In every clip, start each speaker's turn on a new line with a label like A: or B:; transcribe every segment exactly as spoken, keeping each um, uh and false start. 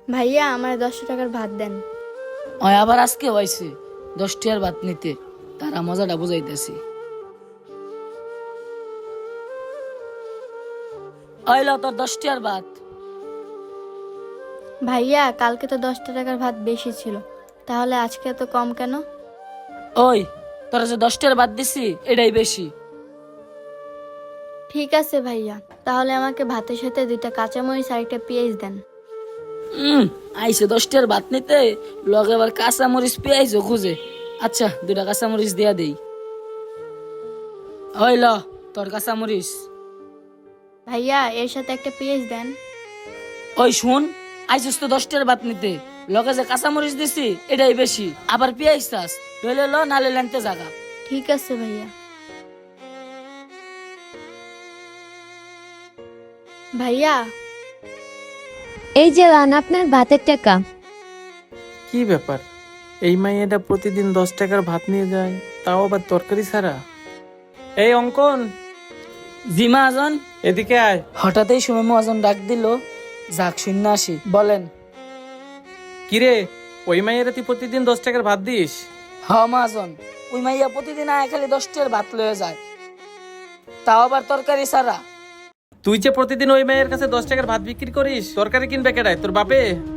A: ভাইয়া আমার দশটা টাকার ভাত দেন।
B: ওই আবার আজকে হয়েছে দশ টিয়ার ভাত নিতে, তারা মজাটা বুঝাইতেছি। ওইল তোর দশ টিয়ার ভাত।
A: ভাইয়া কালকে তো দশটা টাকার ভাত বেশি ছিল, তাহলে আজকে এত কম কেন?
B: ওই তোরা যে দশ টিয়ার ভাত দিছি এটাই বেশি।
A: ঠিক আছে ভাইয়া, তাহলে আমাকে ভাতের সাথে দুইটা কাঁচামরিচ আর একটা পেঁয়াজ দেন।
B: হম আইসে দশ টিয়ার ভাত নিতে, লগে আবার কাঁচা মরিচ পেঁয়াজও খুঁজে। আচ্ছা দুটা কাঁচা মরিচ দিয়া দেই। ওই ল তোর কাঁচা মরিচ।
A: ভাইয়া এর সাথে একটা পেঁয়াজ দেন।
B: ওই শুন, আইসিস তো দশ টিয়ার ভাত নিতে, লগে যে কাঁচা মরিচ দিছি এটাই বেশি, আবার পেঁয়াজ চাস, লইলে ল নালে লেনতে জাগা।
A: ঠিক আছে ভাইয়া। ভাইয়া
C: এই যে লান আপনার ভাতের টাকা।
D: কি ব্যাপার, এই মাইয়াটা প্রতিদিন দশ টাকার ভাত নিয়ে যায়, তাও আবার তরকারি ছাড়া। এই অঙ্কন,
B: জি মহাজন।
D: এদিকে আয়।
B: হঠাৎই সময় মহাজন ডাক দিল, যাক শূন্য আসি। বলেন।
D: কিরে, ওই মাইয়ারা তুই প্রতিদিন দশ টাকার ভাত দিস?
B: হ মহাজন, ওই মাইয়া প্রতিদিন আয় খালি দশ টিয়ার ভাত লয়ে যায়, তাও আবার তরকারি ছাড়া।
D: তুই যে প্রতিদিন ওই মাইয়ের কাছে দশ টাকার ভাত বিক্রি করিস, তরকারি কিনবে কেডায়, তোর বাপে?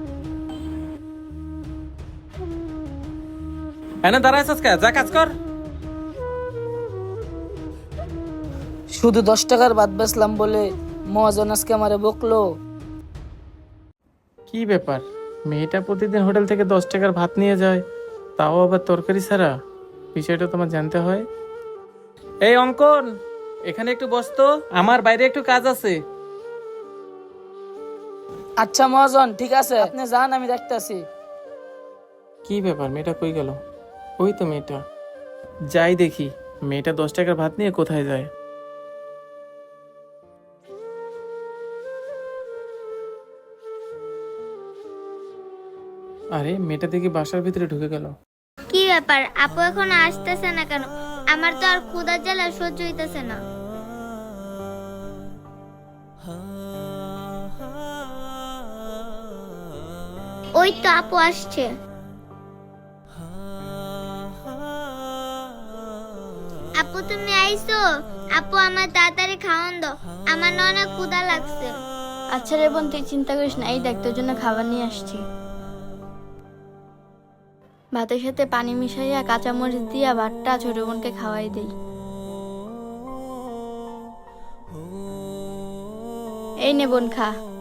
D: এনে দাঁড়ায় কে, যা কাজ কর।
B: শুধু দশ টাকার ভাত বেচলাম বলে মহাজন আজকে আমারে বকলো।
D: কি ব্যাপার, মেয়েটা প্রতিদিন হোটেল থেকে দশ টাকার ভাত নিয়ে যায়, তাও আবার তরকারি ছাড়া? বিষয়টা তোমার জানতে হয়। এই অঙ্কন, এখানে একটু বস তো, আমার বাইরে একটু কাজ আছে।
B: আচ্ছা মহাজন ঠিক আছে, আপনি যান আমি দেখতেছি।
D: কি ব্যাপার, মেয়েটা কই গেল? ওই তো মেয়েটা, যাই দেখি মেয়েটা দশ টাকার ভাত নিয়ে কোথায় যায়। আরে মেয়েটা দেখি বাসার ভিতরে ঢুকে গেল।
E: কি ব্যাপার, আপু এখন আসতেছে না কেন? আমার তো আর ক্ষুধার জ্বালা সহ্য হইতেছে না। ওই তো আপু আসছে। আপু তুমি আইছো? আপু আমার তাড়াতাড়ি খাওয়ান দাও, আমার না অনেক ক্ষুধা লাগছে।
A: আচ্ছা রে বোন, তুই চিন্তা করিস না, এই দেখ তোর জন্য খাবার নিয়ে আসছি। ভাতের সাথে পানি মিশাইয়া কাঁচামরিচ দিয়া ভাতটা ছোট বোনকে খাওয়াই দেই। এই নে বোন খা।